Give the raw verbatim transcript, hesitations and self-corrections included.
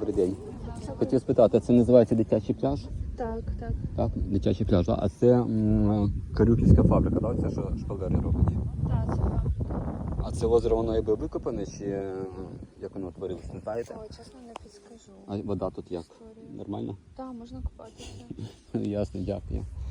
добрий день. Хотів спитати, це називається дитячий пляж? Так, так. Так, дитячий пляж. А це м, Карюківська фабрика, так? Це що шпалери роблять? Так, це вам. А це озеро, воно якби викопане, чи е, як воно утворилось, не знаєте? Ой, чесно, не підскажу. А вода тут як? Історію. Нормально? Так, можна купатися. Ясно, дякую.